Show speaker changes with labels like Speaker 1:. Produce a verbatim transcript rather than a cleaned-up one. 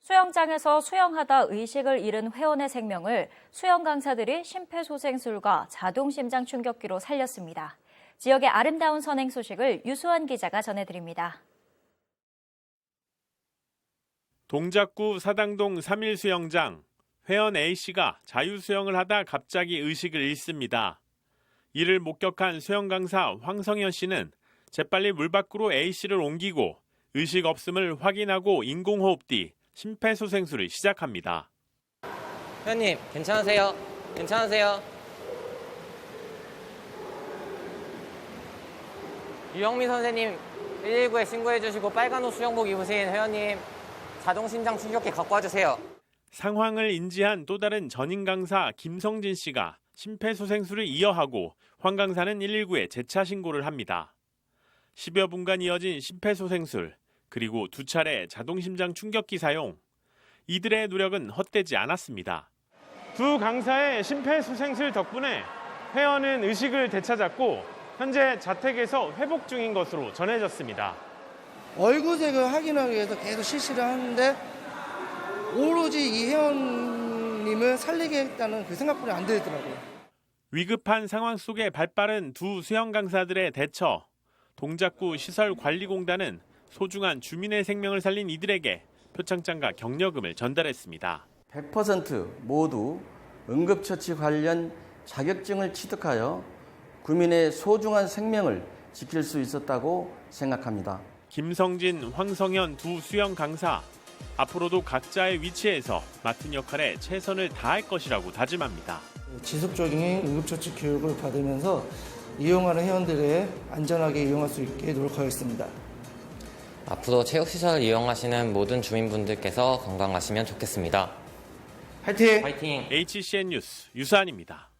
Speaker 1: 수영장에서 수영하다 의식을 잃은 회원의 생명을 수영 강사들이 심폐소생술과 자동심장 충격기로 살렸습니다. 지역의 아름다운 선행 소식을 유수환 기자가 전해드립니다.
Speaker 2: 동작구 사당동 삼일 수영장. 회원 A씨가 자유수영을 하다 갑자기 의식을 잃습니다. 이를 목격한 수영 강사 황성현 씨는 재빨리 물 밖으로 A씨를 옮기고 의식 없음을 확인하고 인공호흡 뒤 심폐소생술을 시작합니다.
Speaker 3: 회원님, 괜찮으세요? 괜찮으세요? 유영민 선생님 일일구에 신고해 주시고 빨간 옷 수영복 입으신 회원님 자동심장 충격기 갖고 와주세요.
Speaker 2: 상황을 인지한 또 다른 전임 강사 김성진 씨가 심폐소생술을 이어하고 황 강사는 일일구에 재차 신고를 합니다. 십여 분간 이어진 심폐소생술, 그리고 두 차례 자동심장 충격기 사용. 이들의 노력은 헛되지 않았습니다. 두 강사의 심폐소생술 덕분에 회원은 의식을 되찾았고 현재 자택에서 회복 중인 것으로 전해졌습니다.
Speaker 4: 얼굴색을 확인하기 위해서 계속 실시를 하는데 오로지 이 회원님을 살리겠다는 그 생각뿐이 안 들더라고요.
Speaker 2: 위급한 상황 속에 발빠른 두 수영 강사들의 대처. 동작구 시설관리공단은 소중한 주민의 생명을 살린 이들에게 표창장과 격려금을 전달했습니다.
Speaker 5: 백 퍼센트 모두 응급처치 관련 자격증을 취득하여 국민의 소중한 생명을 지킬 수 있었다고 생각합니다.
Speaker 2: 김성진, 황성현 두 수영 강사. 앞으로도 각자의 위치에서 맡은 역할에 최선을 다할 것이라고 다짐합니다.
Speaker 4: 지속적인 응급처치 교육을 받으면서 이용하는 회원들의 안전하게 이용할 수 있게 노력하겠습니다.
Speaker 3: 앞으로 체육시설 이용하시는 모든 주민분들께서 건강하시면 좋겠습니다.
Speaker 4: 화이팅!
Speaker 3: 화이팅!
Speaker 2: 에이치씨엔 뉴스 유수환입니다.